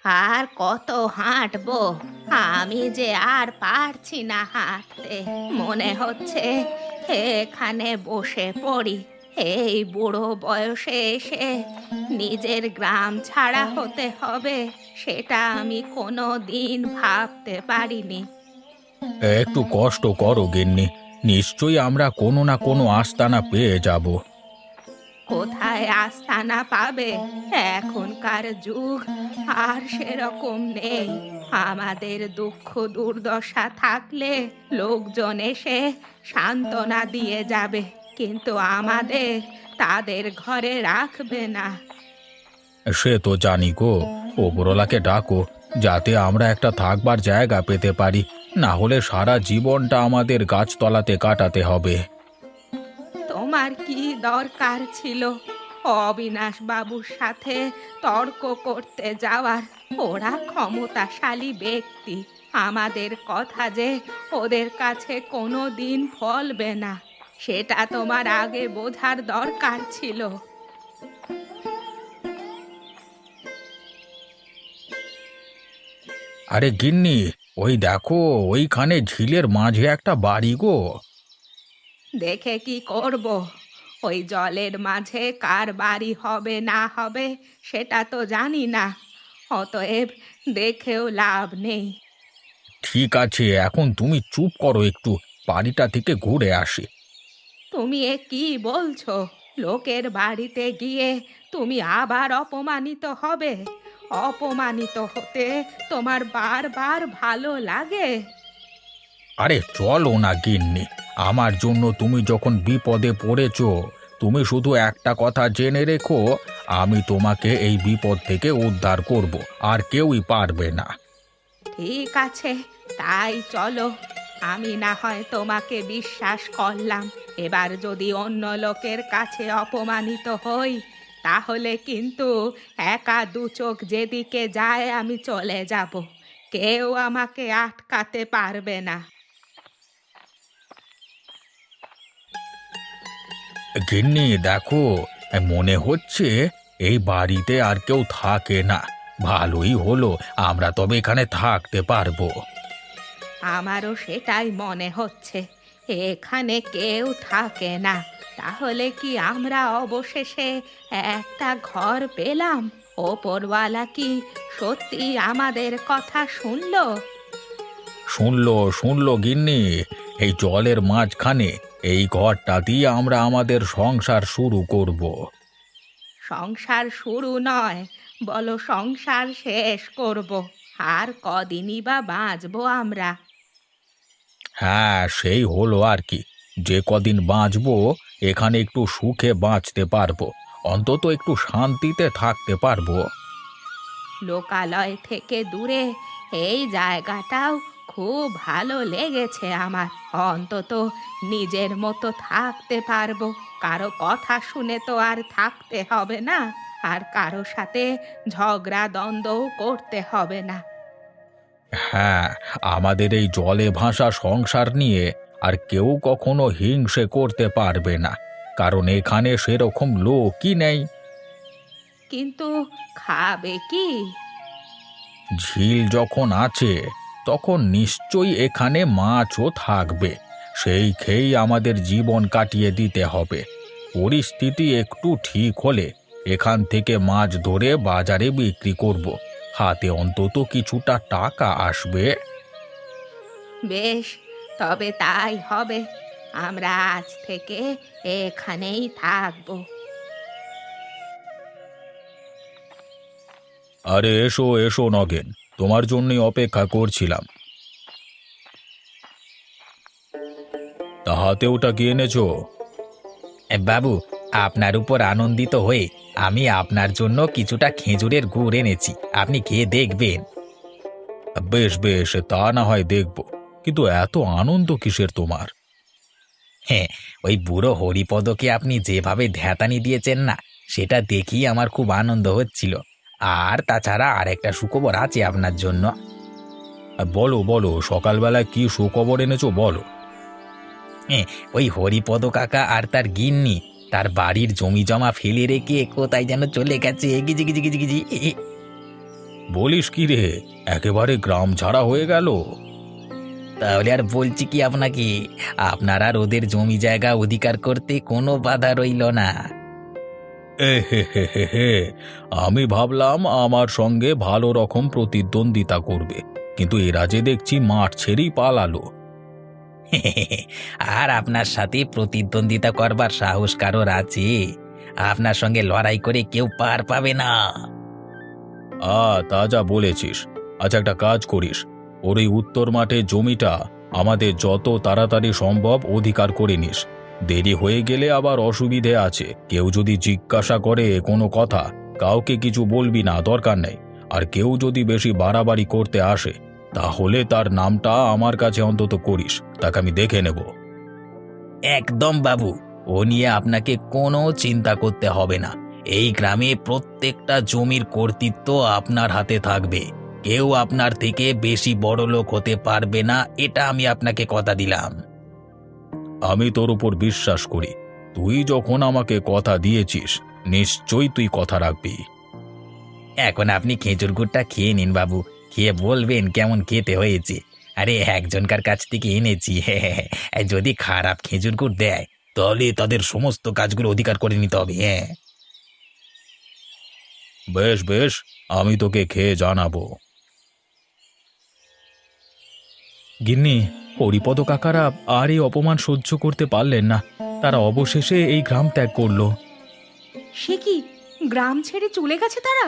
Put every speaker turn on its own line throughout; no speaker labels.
আর কত হাঁটবো? আমি যে আর পারছি না হাঁটতে। মনে হচ্ছে এখানে বসে পড়ি। এই বুড়ো বয়সে এসে নিজের গ্রাম ছাড়া হতে হবে, সেটা আমি কোনো দিন ভাবতে পারিনি।
একটু কষ্ট করো গিন্নি, নিশ্চয়ই আমরা কোনো না কোনো আস্তানা পেয়ে যাব।
কোথায় আস্তানা পাবে? এখনকার যুগ আর সেরকম নেই। আমাদের দুঃখ দুর্দশা থাকলে লোকজন এসে সান্ত্বনা দিয়ে যাবে, কিন্তু আমাদের তাদের ঘরে রাখবে না।
সে তো জানি গো, ওপরওয়ালাকে ডাকো যাতে আমরা একটা থাকবার জায়গা পেতে পারি, না হলে সারা জীবনটা আমাদের গাছতলাতে কাটাতে হবে।
তোমার কি দরকার ছিল অবিনাশ বাবুর সাথে তর্ক করতে যাওয়ার? ওরা ক্ষমতাশালী ব্যক্তি, আমাদের কথা যে ওদের কাছে কোনো দিন ফলবে না, সেটা তোমার আগে বোঝার দরকার ছিল।
আরে গিন্নি, ওই দেখো, ওইখানে ঝিলের মাঝে একটা বাড়ি গো।
দেখে কি করব? ওই জলের মাঝে কার বাড়ি হবে না হবে সেটা তো জানি না, অতএব দেখেও লাভ নেই।
ঠিক আছে, এখন তুমি চুপ করো একটু, বাড়িটা থেকে ঘুরে আসি।
তুমি এ কি বলছো? লোকের বাড়িতে গিয়ে তুমি আবার অপমানিত হবে? অপমানিত হতে তোমার বারবার ভালো লাগে?
আরে চলো না গিন্নি, আমার জন্য তুমি যখন বিপদে পড়েছো, তুমি শুধু একটা কথা জেনে রেখো, আমি তোমাকে এই বিপদ থেকে উদ্ধার করব, আর কেউই পারবে না।
ঠিক আছে, তাই চলো। আমি না হয় তোমাকে বিশ্বাস করলাম, এবার যদি অন্য লোকের কাছে অপমানিত হই তাহলে কিন্তু একা দু চোখ যেদিকে যায় আমি চলে যাব। কেউ আমাকে আটকাতে পারবে না।
গিন্নি দেখো, মনে হচ্ছে এই বাড়িতে আর কেউ থাকে না। ভালোই হলো, আমরা তবে এখানে থাকতে পারবো।
আমারও সেটাই মনে হচ্ছে, এখানে কেউ থাকে না। তাহলে কি আমরা অবশেষে একটা ঘর পেলাম? ওপরওয়ালা কি সত্যি আমাদের কথা শুনলো?
শুনলো শুনলো গিন্নি, এই জলের মাঝখানে এই ঘরটা দিয়ে আমরা আমাদের সংসার শুরু করব।
সংসার শুরু নয়, বলো সংসার শেষ করব। আর কদিনই বা বাঁচবো আমরা?
হ্যাঁ, সেই হলো আর কি, যে কদিন বাঁচবো এখানে একটু সুখে বাঁচতে পারবো, অন্তত একটু শান্তিতে থাকতে পারবো।
লোকালয় থেকে দূরে এই জায়গাটাও খুব ভালো লেগেছে আমার। অন্তত নিজের মতো থাকতে পারবো, কারো কথা শুনে তো আর থাকতে হবে না, আর কারো সাথে ঝগড়া দ্বন্দ্বও করতে হবে না।
হ্যাঁ, আমাদের এই জলে ভাসা সংসার নিয়ে আর কেউ কখনো হিংসে করতে পারবে না, কারণ এখানে সেরকম লোকই নেই।
কিন্তু খাবে কি?
ঝিল যখন আছে তখন নিশ্চয়ই এখানে মাছও থাকবে, সেই খেয়েই আমাদের জীবন কাটিয়ে দিতে হবে। পরিস্থিতি একটু ঠিক হলে এখান থেকে মাছ ধরে বাজারে বিক্রি করব, হাতে অন্তত কিছুটা টাকা আসবে।
বেশ, তবে তাই হবে। আমরা আজ থেকে এখানেই থাকবো।
আরে এসো এসো নগেন, তোমার জন্যই অপেক্ষা করছিলাম। তা হাতে ওটা কি এনেছো?
বাবু, আপনার উপর আনন্দিত হয়ে আমি আপনার জন্য কিছুটা খেজুরের গুড় এনেছি, আপনি খেয়ে দেখবেন।
বেশ বেশ, তা না হয় দেখব, কিন্তু এত আনন্দ কিসের তোমার?
হ্যাঁ, ওই বুড়ো হরিপদকে আপনি যেভাবে ধ্যাতানি দিয়েছেন না, সেটা দেখেই আমার খুব আনন্দ হচ্ছিল। আর তাছাড়া আর একটা সুখবর আছে আপনার জন্য।
বলো বলো, সকালবেলায় কি সুখবর এনেছো বলো।
হ্যাঁ, ওই হরিপদ কাকা আর তার গিন্নি তার বাড়ির জমি জমা ফেলে রেখে কোথায় যেন চলে গেছে, গিজি গিজি গিজি গিজি।
বলিস কি রে, একেবারে গ্রাম ছাড়া হয়ে গেল?
তাহলে আর বলছি কি আপনাকে, আপনার আর ওদের জমি জায়গা অধিকার করতে কোনো বাধা রইল না।
এ হে হে হে হে, আমি ভাবলাম আমার সঙ্গে ভালো রকম প্রতিদ্বন্দ্বিতা করবে, কিন্তু এরা যে দেখছি মাঠ ছেড়েই পালালো।
আর আপনার সাথে প্রতিদ্বন্দ্বিতা করবার সাহস কারোর আছে? আপনার সঙ্গে লড়াই করে কেউ পার পাবে না।
তা যা বলেছিস। আচ্ছা, একটা কাজ করিস, ওর এই উত্তর মাঠে জমিটা আমাদের যত তাড়াতাড়ি সম্ভব অধিকার করে নিস। দেরি হয়ে গেলে আবার অসুবিধে আছে। কেউ যদি জিজ্ঞাসা করে কোনো কথা, কাউকে কিছু বলবি না, দরকার নেই। আর কেউ যদি বেশি বাড়াবাড়ি করতে আসে, তাহলে তার নামটা আমার কাছে অন্তত করিস, তাকে আমি দেখে নেব।
একদম বাবু, ও নিয়ে আপনাকে কোনো চিন্তা করতে হবে না। এই গ্রামে প্রত্যেকটা জমির কর্তৃত্ব আপনার হাতে থাকবে। কেউ আপনার থেকে বেশি বড়লোক হতে পারবে না, এটা আমি আপনাকে কথা দিলাম।
আমি তোর উপর বিশ্বাস করি। তুই যখন আমাকে কথা দিয়েছিস, নিশ্চয়ই তুই কথা রাখবি।
এখন আপনি খেজুর গুড়টা খেয়ে নিন বাবু, খেয়ে বলবেন কেমন খেতে হয়েছে। আরে একজনকার কাছ থেকে এনেছি, যদি খারাপ খেজুর গুড় দেয় তাহলে তাদের সমস্ত কাজগুলো অধিকার করে নিতে হবে। হ্যাঁ,
বেশ বেশ, আমি তোকে খেয়ে জানাবো। গিন্নি, হরিপদ কাকারা আর এই অপমান সহ্য করতে পারলেন না। তারা অবশেষে এই গ্রাম ত্যাগ করলো।
সে কি, গ্রাম ছেড়ে চলে গেছে তারা?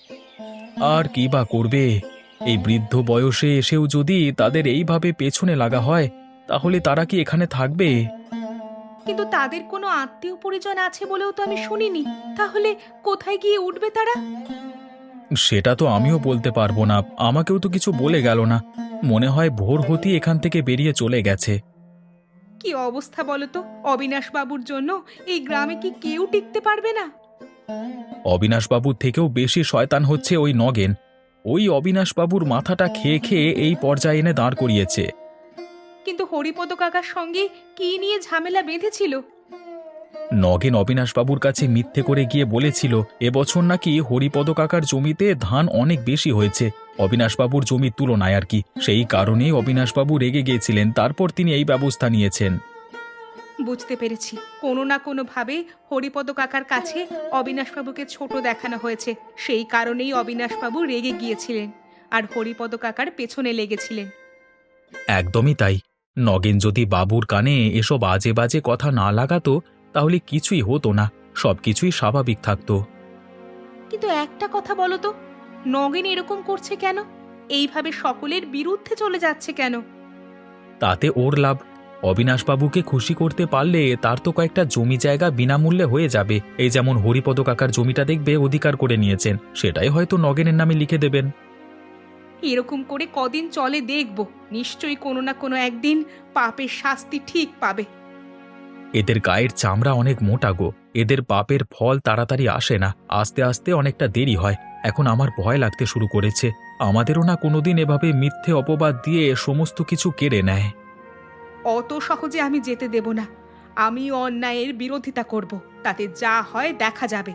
আর কি বা করবে? এই বৃদ্ধ বয়সে এসেও যদি তাদের এইভাবে পেছনে লাগা হয়, তাহলে তারা কি এখানে থাকবে?
কিন্তু তাদের কোনো আত্মীয় পরিজন আছে বলেও তো আমি শুনিনি। তাহলে কোথায় গিয়ে উঠবে তারা?
সেটা তো আমিও বলতে পারবো না, আমাকেও তো কিছু বলে গেল না। মনে হয় ভোর হতেই এখান থেকে বেরিয়ে চলে গেছে।
কি অবস্থা বলো তো! অবিনাশ বাবুর জন্য এই গ্রামে কি কেউ টিকতে পারবে না?
অবিনাশবাবুর থেকেও বেশি শয়তান হচ্ছে ওই নগেন। ওই অবিনাশবাবুর মাথাটা খেয়ে খেয়ে এই পর্যায়ে এনে দাঁড় করিয়েছে।
কিন্তু হরিপদ কাকার সঙ্গে কি নিয়ে ঝামেলা বেঁধেছিল?
নগেন অবিনাশবাবুর কাছে মিথ্যে করে গিয়ে বলেছিল এবছর নাকি হরিপদ কাকার জমিতে ধান অনেক বেশি হয়েছে অবিনাশবাবুর জমির তুলনায় আর কি। সেই কারণেই অবিনাশবাবু রেগে গিয়েছিলেন, তারপর তিনি এই ব্যবস্থা নিয়েছেন।
বুঝতে পেরেছি, কোনো না কোনো ভাবে হরিপদ কাকার কাছে অবিনাশবাবুকে ছোট দেখানো হয়েছে। সেই কারণেই অবিনাশবাবু রেগে গিয়েছিলেন আর হরিপদ কাকার পেছনে লেগেছিলেন।
একদমই তাই। নগেন যদি বাবুর কানে এসব আজে বাজে কথা না লাগাতো, তাহলে কিছুই হতো না, সবকিছুই স্বাভাবিক থাকতো।
কিন্তু একটা কথা বলো তো, নগেন এরকম করছে কেন? এইভাবে সকলের বিরুদ্ধে চলে যাচ্ছে কেন?
তাতে ওর লাভ। অবিনাশবাবুকে খুশি করতে পারলে তার তো কয়েকটা জমি জায়গা বিনামূল্যে হয়ে যাবে। এই যেমন হরিপদ কাকার জমিটা দেখবে অধিকার করে নিয়েছেন, সেটাই হয়তো নগেনের নামে লিখে দেবেন।
এরকম করে কদিন চলে দেখব, নিশ্চয়ই কোনো না কোনো একদিন পাপের শাস্তি ঠিক পাবে।
এদের গায়ের চামড়া অনেক মোটা গো, এদের পাপের ফল তাড়াতাড়ি আসে না, আস্তে আস্তে অনেকটা দেরি হয়। এখন আমার ভয় লাগতে শুরু করেছে, আমাদেরও না কোনোদিন এভাবে মিথ্যে অপবাদ দিয়ে সমস্ত কিছু কেড়ে নেয়।
অত সহজে আমি যেতে দেব না। আমি অন্যায়ের বিরোধিতা করব, তাতে যা হয় দেখা যাবে।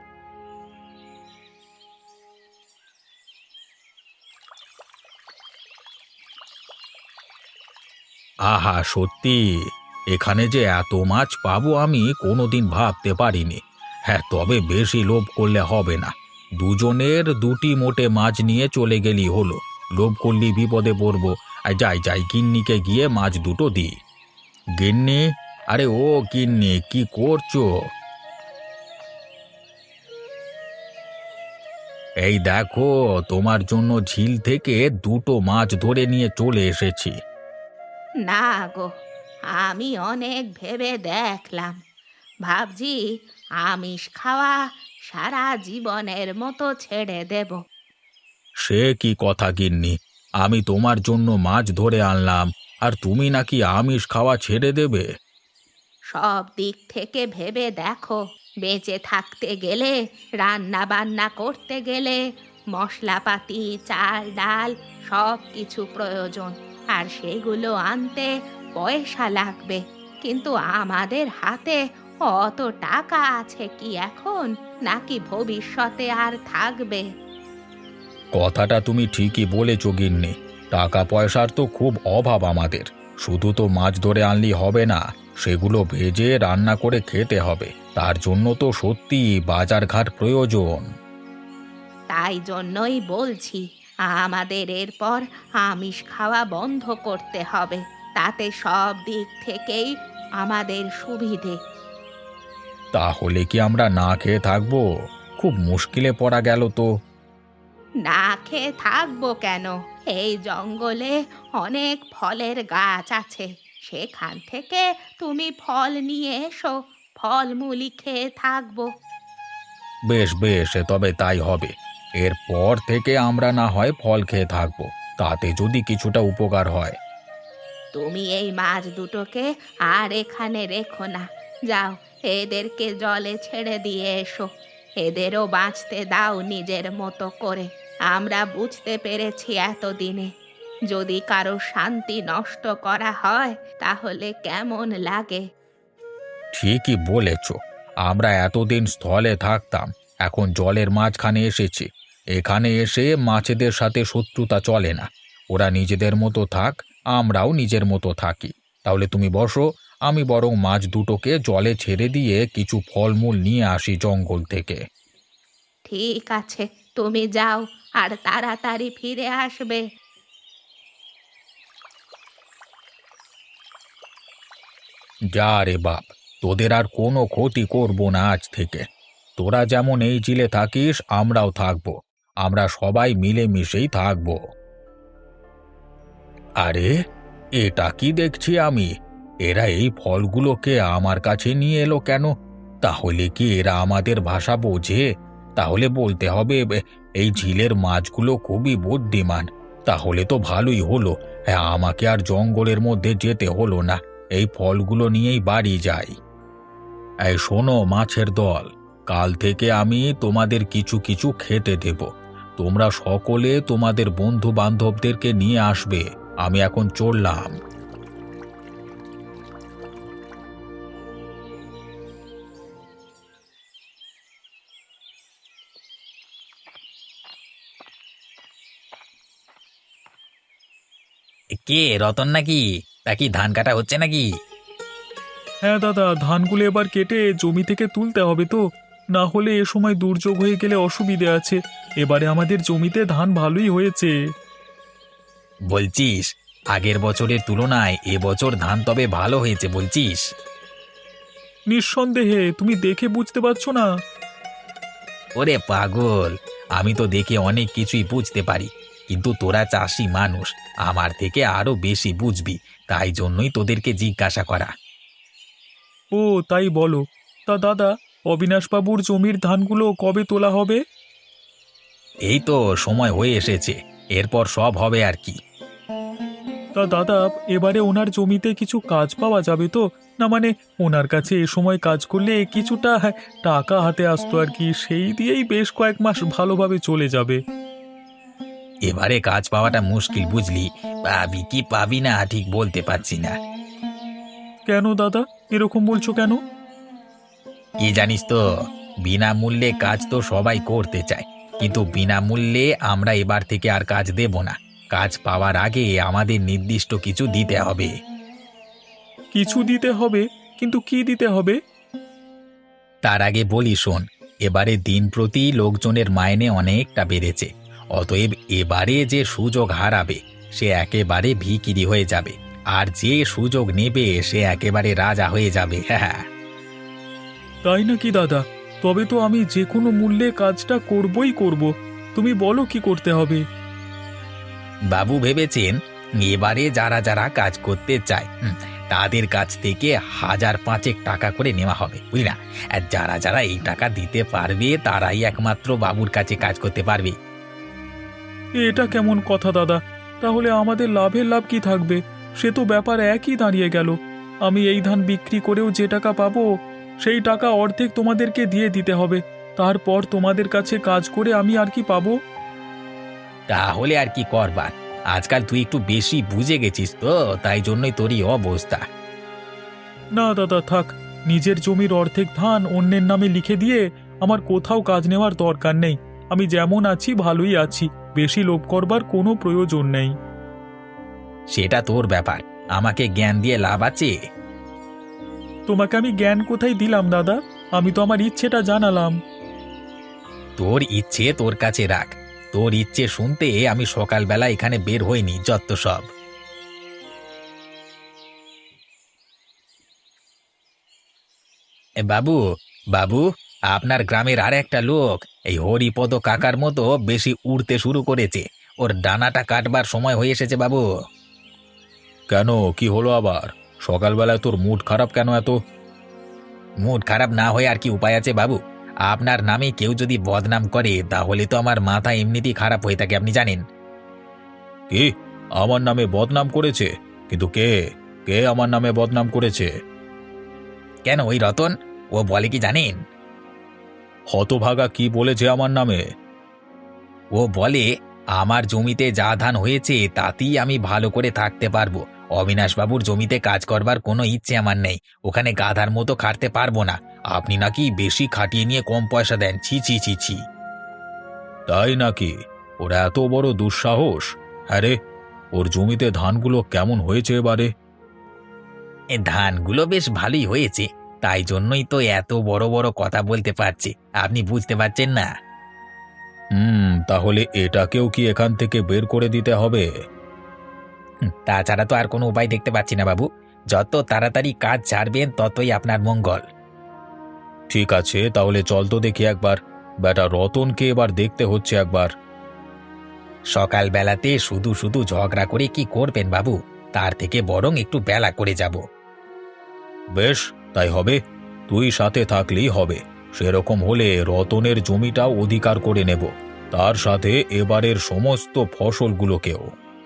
আহা, সত্যি এখানে যে এত মাছ পাবো আমি কোনোদিন ভাবতে পারিনি। হ্যাঁ, তবে বেশি লোভ করলে হবে না। দুজনের দুটি মোটে মাছ নিয়ে চলে গেলি হলো, লোভ করলি বিপদে পড়বো। আর যাই যাই, গিন্নিকে গিয়ে মাছ দুটো দিই। গিন্নি, আরে ও গিন্নি, কি করছো? এই দেখো, তোমার জন্য ঝিল থেকে দুটো মাছ ধরে নিয়ে চলে এসেছি।
না গো, আমি অনেক ভেবে দেখলাম, ভাবছি আমিষ খাওয়া সারা জীবনের মতো ছেড়ে দেব।
সে কি কথা গিন্নি, আমি তোমার জন্য মাছ ধরে আনলাম, আর তুমি নাকি আমিষ খাওয়া ছেড়ে দেবে?
সব দিক থেকে ভেবে দেখো, বেঁচে থাকতে গেলে, রান্না বান্না করতে গেলে মশলাপাতি, চাল ডাল সব কিছু প্রয়োজন, আর সেগুলো আনতে পয়সা লাগবে। কিন্তু আমাদের হাতে অত টাকা আছে কি এখন, নাকি ভবিষ্যতে আর থাকবে?
কথাটা তুমি ঠিকই বলেছ গিন্নি। টাকা পয়সার তো খুব অভাব আমাদের। শুধু তো মাছ ধরে আনলেই হবে না, সেগুলো ভেজে রান্না করে খেতে হবে। তার জন্য তো সত্যি বাজারঘাট প্রয়োজন।
তাই জন্যই বলছি, আমাদের এরপর আমিষ খাওয়া বন্ধ করতে হবে। তাতে সব দিক থেকেই আমাদের সুবিধে।
তাহলে কি আমরা না খেয়ে থাকবো? খুব মুশকিলে পড়া গেল তো।
না খেয়ে থাকবো কেন? এই জঙ্গলে অনেক ফলের গাছ আছে, সেখান থেকে তুমি ফল নিয়ে এসো, ফলমূলই খেয়ে থাকবো।
বেশ বেশ, তবে তাই হবে। এরপর থেকে আমরা না হয় ফল খেয়ে থাকবো, তাতে যদি কিছুটা উপকার হয়।
তুমি এই মাছ দুটোকে আর এখানে রেখো না, যাও এদেরকে জলে ছেড়ে দিয়ে এসো। এদেরও বাঁচতে দাও নিজের মতো করে। আমরা বুঝতে পেরেছি এতদিনে, যদি কারো শান্তি নষ্ট করা হয় তাহলে কেমন লাগে।
ঠিকই বলেছ। আমরা এতদিন স্থলে থাকতাম, এখন জলের মাঝখানে এসেছি। এখানে এসে মাছেদের সাথে শত্রুতা চলে না। ওরা নিজেদের মতো থাক, আমরাও নিজের মতো থাকি। তাহলে তুমি বসো, আমি বরং মাছ দুটোকে জলে ছেড়ে দিয়ে কিছু ফলমূল নিয়ে আসি জঙ্গল থেকে।
ঠিক আছে, তুমি যাও, আর তাড়াতাড়ি ফিরে আসবে।
যা রে বাপ, তোদের আর কোনো ক্ষতি করব না আজ থেকে। তোরা যেমন এই জিলে থাকিস, আমরাও থাকবো। আমরা সবাই মিলেমিশেই থাকবো। আরে, এটা কি দেখছি আমি? এরা এই ফলগুলোকে আমার কাছে নিয়ে এলো কেন? তাহলে কি এরা আমাদের ভাষা বোঝে? তাহলে বলতে হবে এই ঝিলের মাছগুলো খুবই বুদ্ধিমান। তাহলে তো ভালোই হলো। হ্যাঁ, আমাকে আর জঙ্গলের মধ্যে যেতে হলো না। এই ফলগুলো নিয়েই বাড়ি যাই। এই শোনো মাছের দল, কাল থেকে আমি তোমাদের কিছু কিছু খেতে দেব। তোমরা সকলে তোমাদের বন্ধু বান্ধবদেরকে নিয়ে আসবে। আমি এখন চললাম।
কে রতন নাকি? তা কি ধান কাটা হচ্ছে নাকি?
হ্যাঁ দাদা, ধানগুলো এবার কেটে জমি থেকে তুলতে হবে তো, না হলে এ সময় দুর্যোগ হয়ে গেলে অসুবিধে আছে। এবারে আমাদের জমিতে ধান ভালোই হয়েছে।
বলছিস আগের বছরের তুলনায় এবছর ধান তবে ভালো হয়েছে বলছিস?
নিঃসন্দেহে, তুমি দেখে বুঝতে পারছো না?
ওরে পাগল, আমি তো দেখে অনেক কিছুই বুঝতে পারি, কিন্তু তোরা চাষি মানুষ, আমার থেকে আরো বেশি বুঝবি, তাই জন্যই তোদেরকে জিজ্ঞাসা করা।
ও তাই বলো। তা দাদা, অবিনাশবাবুর জমির ধানগুলো কবে তোলা হবে?
এই তো সময় হয়ে এসেছে, এরপর সব হবে আর কি।
তা দাদা, এবারে ওনার জমিতে কিছু কাজ পাওয়া যাবে তো? না মানে, ওনার কাছে এ সময় কাজ করলে কিছুটা টাকা হাতে আসতো আর কি, সেই দিয়েই বেশ কয়েক মাস ভালোভাবে চলে যাবে।
এবারে কাজ পাওয়াটা মুশকিল বুঝলি, পাবি কি পাবি না ঠিক বলতে পারছি না।
কেন দাদা, এরকম বলছো কেন?
কি জানিস তো, বিনামূল্যে কাজ তো সবাই করতে চায়, কিন্তু বিনামূল্যে আমরা এবার থেকে আর কাজ দেব না। কাজ পাওয়ার আগে আমাদের নির্দিষ্ট কিছু দিতে হবে।
কিছু দিতে হবে? কিন্তু কি দিতে হবে?
তার আগে বলি শোন, এবারে দিন প্রতি লোকজনের মাইনে অনেকটা বেড়েছে। অতএব এবারে যে সুযোগ হারাবে সে একেবারে ভিখিরি হয়ে যাবে, আর যে সুযোগ নেবে সে একেবারে রাজা হয়ে যাবে। হ্যাঁ,
তাই নাকি দাদা? তবে তো আমি যে কোনো মূল্যে কাজটা করবই করব। তুমি বলো কি করতে হবে?
বাবু ভেবেছেন এবারে যারা যারা কাজ করতে চায় তাদের কাছ থেকে 1,000-5 টাকা করে নেওয়া হবে, বুঝলি না? আর যারা যারা এই টাকা দিতে পারবে তারাই একমাত্র বাবুর কাছে কাজ করতে পারবে।
এটা কেমন কথা দাদা? তাহলে আমাদের লাভের লাভ কি থাকবে? সে তো ব্যাপার একই দাঁড়িয়ে গেল। আমি এই ধান বিক্রি করেও যে টাকা পাবো, সেই টাকা অর্ধেক তোমাদেরকে দিয়ে দিতে হবে। তারপর তোমাদের কাছে কাজ করে আমি আর কি পাবো?
তাহলে আর কি করবার, আজকাল তুই একটু বেশি বুঝে গেছিস তো, তাই জন্যই তোরই অবস্থা।
না দাদা থাক, নিজের জমির অর্ধেক ধান অন্যের নামে লিখে দিয়ে আমার কোথাও কাজ নেওয়ার দরকার নেই। আমি যেমন আছি ভালোই আছি। বেশি লোভ করবার কোনো প্রয়োজন নেই।
সেটা তোর ব্যাপার, আমাকে জ্ঞান দিয়ে লাভ আছে?
তোমাকে আমি জ্ঞান কোথায় দিলাম দাদা? আমি তো আমার ইচ্ছেটা জানালাম।
তোর ইচ্ছে তোর কাছে রাখ। তোর ইচ্ছে শুনতে আমি সকালবেলা এখানে বের হইনি, যত সব। বাবু, বাবু, আপনার গ্রামের আর একটা লোক এই হরিপদ কাকার মতো বেশি উড়তে শুরু করেছে। ওর ডানাটা কাটবার সময় হয়ে এসেছে বাবু।
কেন, কি হলো আবার? সকালবেলায় তোর মুড খারাপ কেন এত?
মুড খারাপ না হয়ে আর কি উপায় আছে বাবু? আপনার নামে কেউ যদি বদনাম করে তাহলে তো আমার মাথা এমনিতেই খারাপ হয়ে থাকে, আপনি জানেন।
কি, আমার নামে বদনাম করেছে? কিন্তু কে কে আমার নামে বদনাম করেছে?
কেন, ওই রতন, ও বলে কি জানেন?
হতভাগা কি বলেছে আমার নামে?
ও বলে আমার জমিতে যা ধান হয়েছে তাতেই আমি ভালো করে থাকতে পারবো। অবিনাশবাবুর জমিতে কাজ করবার কোনো ইচ্ছে আমার নেই। ওখানে গাধার মতো খাটতে পারবো না। আপনি নাকি বেশি খাটিয়ে নিয়ে কম পয়সা দেন। ছি ছি ছি ছি।
তাই নাকি? ওর এত বড় দুঃসাহস? হ্যাঁ রে, ওর জমিতে ধানগুলো কেমন হয়েছে এবারে?
এ ধানগুলো বেশ ভালোই হয়েছে, তাই জন্যই তো এত বড় বড় কথা বলতে পারছি। আপনি বুঝতে পারছেন না?
তাহলে এটাকেও কি এখান থেকে বের করে দিতে হবে?
তাছাড়া তো আর কোনো উপায় দেখতে পাচ্ছি না বাবু। যত তাড়াতাড়ি কাজ ছাড়বেন ততই আপনার মঙ্গল।
ঠিক আছে, তাহলে চল তো দেখি একবার। বেটা রতনকে এবার দেখতে হচ্ছে একবার।
সকালবেলাতে শুধু শুধু ঝগড়া করে কি করবেন বাবু? তার থেকে বরং একটু বেলা করে যাব।
বেশ, তাই হবে। তুই সাথে থাকলেই হবে। সেরকম হলে রতনের জমিটাও অধিকার করে নেব, তার সাথে এবারের সমস্ত ফসলগুলোকেও।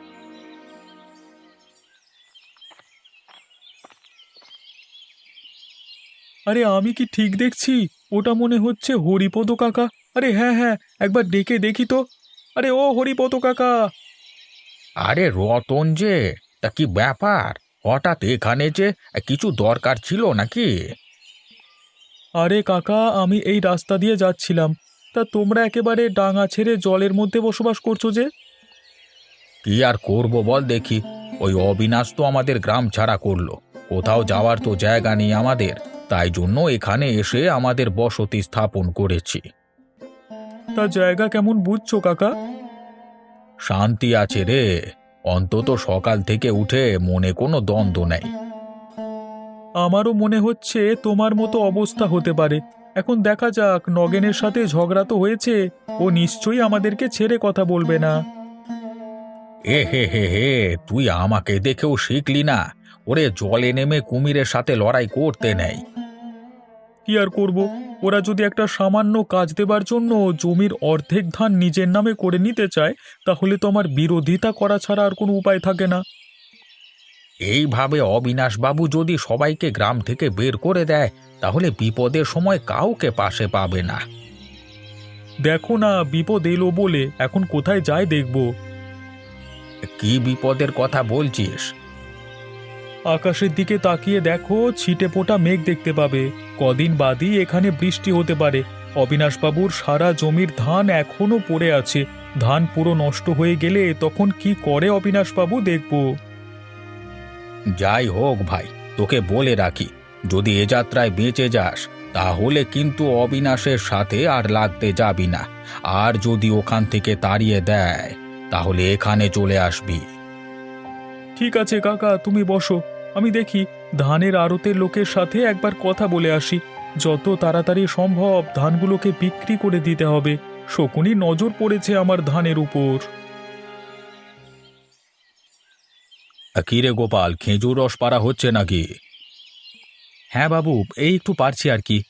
আরে আমি কি ঠিক দেখছি? ওটা মনে হচ্ছে হরিপদ কাকা। আরে হ্যাঁ হ্যাঁ, একবার ডেকে দেখি তো। আরে ও হরিপদ কাকা!
আরে রতন যে, তা কি ব্যাপার? হঠাৎ এখানে যে, কিছু দরকার ছিল নাকি?
আরে কাকা, আমি এই রাস্তা দিয়ে যাচ্ছিলাম, তা তোমরা একেবারে ডাঙা ছেড়ে জলের মধ্যে বসবাস করছো যে?
কি আর করব বল দেখি। ওই অবিনাশ তো আমাদের গ্রাম ছাড়া করলো। কোথাও যাওয়ার তো জায়গা নেই আমাদের, তাই জন্য এখানে এসে আমাদের বসতি স্থাপন করেছি।
তা জায়গা কেমন বুঝছো কাকা?
শান্তি আছে রে, অন্তত সকাল থেকে উঠে মনে কোনো দ্বন্দ্ব নেই।
আমারও মনে হচ্ছে তোমার মতো অবস্থা হতে পারে। এখন দেখা যাক, নগেনের সাথে ঝগড়া তো হয়েছে, ও নিশ্চয়ই আমাদেরকে ছেড়ে কথা বলবে না।
এ হে হে হে, তুই আমাকে দেখেও শিখলি না? ওরে জলে নেমে কুমিরের সাথে লড়াই করতে নেই।
কি আর করব, ওরা যদি একটা সামান্য কাজ দেবার জন্য জমির অর্ধেক ধান নিজের নামে করে নিতে চায়, তাহলে তো আমার বিরোধিতা করা ছাড়া আর কোনো উপায় থাকে না।
এইভাবে অবিনাশবাবু যদি সবাইকে গ্রাম থেকে বের করে দেয়, তাহলে বিপদের সময় কাউকে পাশে পাবে না।
দেখো না, বিপদ এলো বলে এখন কোথায় যায় দেখব।
কি বিপদের কথা বলছিস?
আকাশের দিকে তাকিয়ে দেখো, ছিটে ফোটা মেঘ দেখতে পাবে। কদিন বাদই এখানে বৃষ্টি হতে পারে। অবিনাশবাবুর সারা জমির ধান এখনো পড়ে আছে। ধান পুরো নষ্ট হয়ে গেলে তখন কি করে অবিনাশবাবু, দেখব।
যাই হোক ভাই, তোকে বলে রাখি, যদি এ যাত্রায় বেঁচে যাস, তাহলে কিন্তু অবিনাশের সাথে আর লাগতে যাবি না। আর যদি ওখান থেকে তাড়িয়ে দেয়, তাহলে এখানে চলে আসবি।
ঠিক আছে কাকা, তুমি বসো, আমি দেখি ধানের আড়তের লোকের সাথে একবার কথা বলে আসি। যত তাড়াতাড়ি সম্ভব ধানগুলোকে বিক্রি করে দিতে হবে। শকুনি নজর পড়েছে আমার ধানের উপর।
কি রে গোপাল, খেজুর রস পাড়া হচ্ছে নাকি?
হ্যাঁ বাবু, এই একটু পারছি আর কি।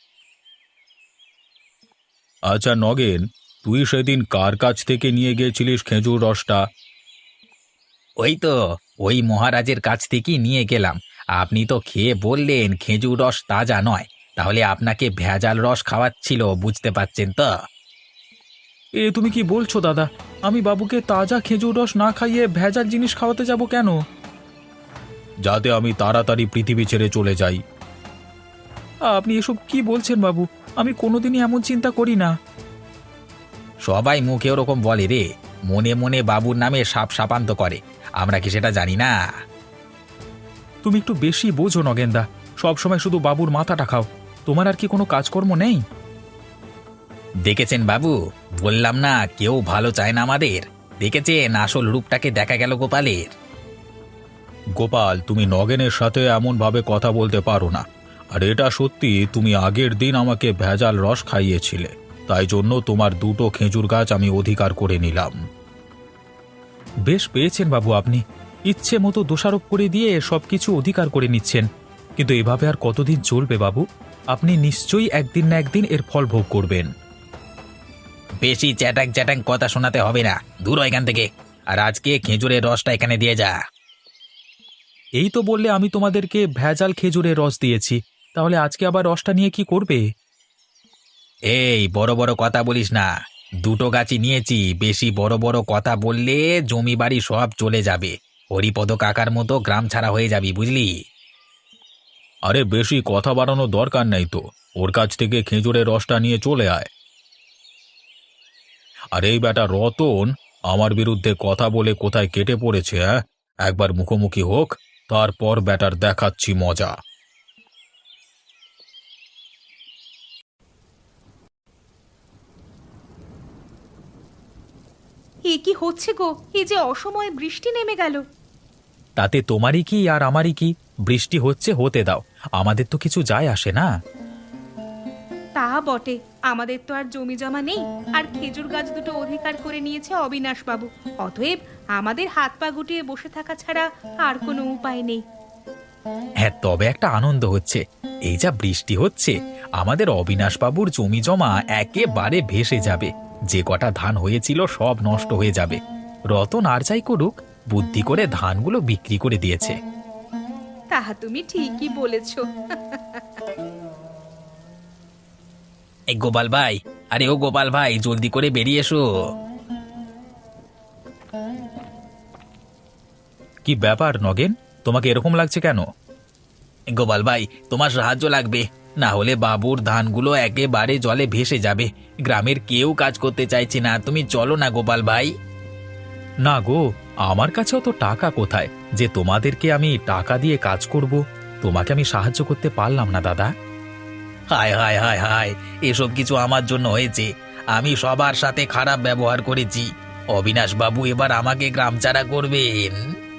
আচ্ছা নগেন, তুই সেদিন কার কাছ থেকে নিয়ে গিয়েছিলিস খেজুর রসটা?
ওই তো, ওই মহারাজের কাছ থেকেই নিয়ে গেলাম। আপনি তো খেয়ে বললেন খেজুর রস তাজা নয়, তাহলে আপনাকে ভেজাল রস খাওয়াচ্ছিল, বুঝতে পারছেন তো?
এ তুমি কি বলছো দাদা? আমি বাবুকে তাজা খেজুর রস না খাইয়ে ভেজাল জিনিস খাওয়াতে যাব কেন?
যাতে আমি তাড়াতাড়ি পৃথিবী ছেড়ে চলে যাই।
আপনি এসব কি বলছেন বাবু? আমি কোনোদিনই এমন চিন্তা করি না।
সবাই মুখে ওরকম বলে রে, মনে মনে বাবুর নামে সাপ সাপান্ত করে, আমরা কি সেটা জানি না?
তুমি একটু বেশি বোঝো নগেনদা, সবসময় শুধু বাবুর মাথাটা খাও। তোমার আর কি কোনো কাজকর্ম নেই?
দেখেছেন বাবু, বললাম না কেউ ভালো চায় না আমাদের। দেখেছেন আসল রূপটাকে দেখা গেল গোপালের।
গোপাল, তুমি নগেনের সাথে এমনভাবে কথা বলতে পারো না। আর এটা সত্যি, তুমি আগের দিন আমাকে ভেজাল রস খাইয়েছিলে, তাই জন্য তোমার দুটো খেজুর গাছ আমি অধিকার করে নিলাম।
বেশ পেয়েছেন বাবু আপনি, ইচ্ছে মতো দোষারোপ করে দিয়ে সবকিছু অধিকার করে নিচ্ছেন। কিন্তু এভাবে আর কতদিন চলবে বাবু? আপনি নিশ্চয়ই একদিন না একদিন এর ফল ভোগ করবেন।
বেশি চ্যাটাং চ্যাটাং কথা শোনাতে হবে না, দূর হ এখান থেকে। আর আজকে খেজুরের রসটা এখানে দিয়ে যা।
এই তো বললে আমি তোমাদেরকে ভেজাল খেজুরের রস দিয়েছি, তাহলে আজকে আবার রসটা নিয়ে কি করবে?
এই বড় বড় কথা বলিস না, দুটো গাছই নিয়েছি। বেশি বড় বড় কথা বললে জমি বাড়ি সব চলে যাবে, হরিপদ কাকার মতো গ্রাম ছাড়া হয়ে যাবি, বুঝলি?
আরে বেশি কথা বাড়ানোর দরকার নেই তো, ওর কাছ থেকে খেজুরের রসটা নিয়ে চলে আয়। আর এই বেটা রতন আমার বিরুদ্ধে কথা বলে কোথায় কেটে পড়েছে, হ্যাঁ? একবার মুখোমুখি হোক, তারপর বেটার দেখাচ্ছি মজা।
এ কি হচ্ছে গো? এই যে অসময়ে বৃষ্টি নেমে গেল।
তাতে তোমারই কি আর আমারই কি? বৃষ্টি হচ্ছে হতে দাও, আমাদের তো কিছু যায় আসে না।
তা বটে, আমাদের তো আর জমি জমা নেই, আর খেজুর গাছ দুটো অধিকার করে নিয়েছে অবিনাশ বাবু। অতএব আমাদের হাত পা গুটিয়ে বসে থাকা ছাড়া আর কোনো উপায় নেই।
হ্যাঁ, তবে একটা আনন্দ হচ্ছে, এই যা বৃষ্টি হচ্ছে আমাদের অবিনাশবাবুর জমি জমা একেবারে ভেসে যাবে। যে কটা ধান হয়েছিল সব নষ্ট হয়ে যাবে। রতন আর যাই করুক, বুদ্ধি করে ধানগুলো বিক্রি করে দিয়েছে।
তাহা তুমি ঠিকই বলেছো।
এই গোপাল ভাই, আরে ও গোপাল ভাই, জলদি করে বেরিয়ে এসো।
কি ব্যাপার নগেন, তোমাকে এরকম লাগছে কেন?
গোপাল ভাই, তোমার সাহায্য লাগবে, না হলে বাবুর ধানগুলো একেবারে জলে ভেসে যাবে। গ্রামের কেউ কাজ করতে চাইছে না, তুমি চলো না গোপাল ভাই।
না গো, আমার কাছেও তো টাকা কোথায় যে তোমাদেরকে আমি টাকা দিয়ে কাজ করব? তোমাকে আমি সাহায্য করতে পারলাম না দাদা।
হায় হায় হায় হায়, এসব কিছু আমার জন্য হয়েছে। আমি সবার সাথে খারাপ ব্যবহার করেছি, অবিনাশ বাবু এবার আমাকে গ্রাম ছাড়া করবেন।